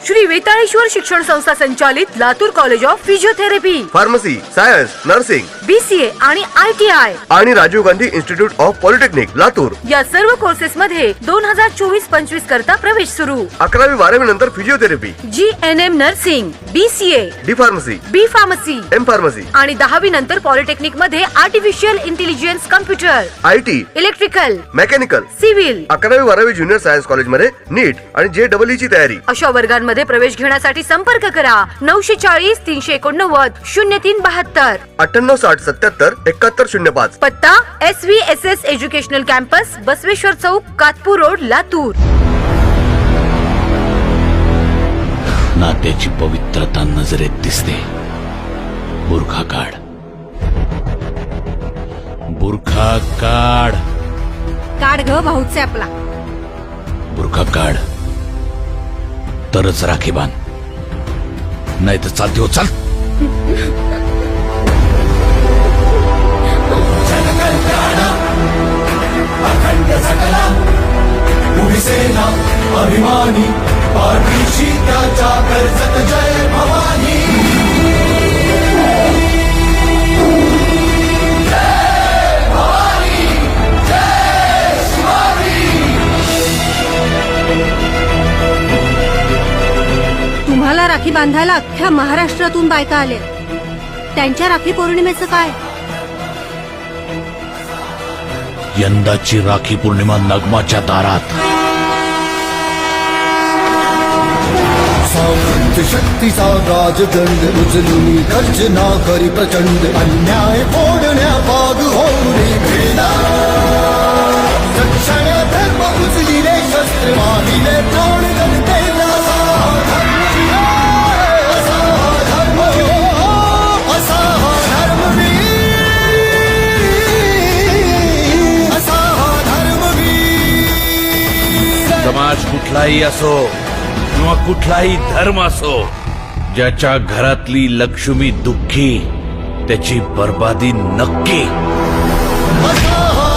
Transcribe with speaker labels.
Speaker 1: श्री वेताळेश्वर शिक्षण संस्था संचालित Latur college of physiotherapy,
Speaker 2: pharmacy, science, nursing,
Speaker 1: BCA आणि ITI
Speaker 2: आणि Rajiv Gandhi institute of polytechnic Latur
Speaker 1: या सर्व कोर्सेस मध्ये 2024-25 करता प्रवेश सुरू.
Speaker 2: 11वी-12वी नंतर physiotherapy,
Speaker 1: GNM nursing, BCA,
Speaker 2: D pharmacy,
Speaker 1: B pharmacy
Speaker 2: M pharmacy
Speaker 1: आणि 10वी नंतर पॉलिटेक्निक मध्ये artificial intelligence, computer,
Speaker 2: IT,
Speaker 1: electrical,
Speaker 2: mechanical.
Speaker 1: Civil
Speaker 2: 11वी-12वी ज्युनियर सायन्स कॉलेज मध्ये नीट आणि JEE ची तयारी.
Speaker 1: अशा वर्गांमध्ये प्रवेश घेण्यासाठी संपर्क करा 940 389 0372.
Speaker 2: 9860777105.
Speaker 1: पत्ता SVSS एज्युकेशनल कॅम्पस, बसवेश्वर चौक, कातपूर रोड, लातूर.
Speaker 3: नात्याची पवित्रता नजरेत दिसते. बुरखा काढ, बुरखा काढ,
Speaker 1: काढ ग भाऊचे आपला.
Speaker 3: बुरखा काढ तरच राखी बांध, नाही तर चालते हो. चाल.
Speaker 4: अखंड सकला उभी सेना अभिमानी, पाठीशी त्याच्या कर्जत जय भवानी.
Speaker 5: तुम्हाला राखी बांधायला अख्ख्या महाराष्ट्रातून बायका आले. त्यांच्या राखी पौर्णिमेचं काय?
Speaker 3: यंदाची राखी पौर्णिमा नगमाच्या दारात.
Speaker 4: सामर्थ्य शक्तीचा राजदंड उचलून गर्जना करी प्रचंड, अन्याय फोडण्या पाग होऊन भेदा. रक्षण धर्म उचलिले शस्त्र, माविले प्राण जनतेला.
Speaker 3: समाज कुठलाही असो किंवा कुठलाही धर्म असो, ज्याच्या घरातली लक्ष्मी दुःखी त्याची बर्बादी नक्की.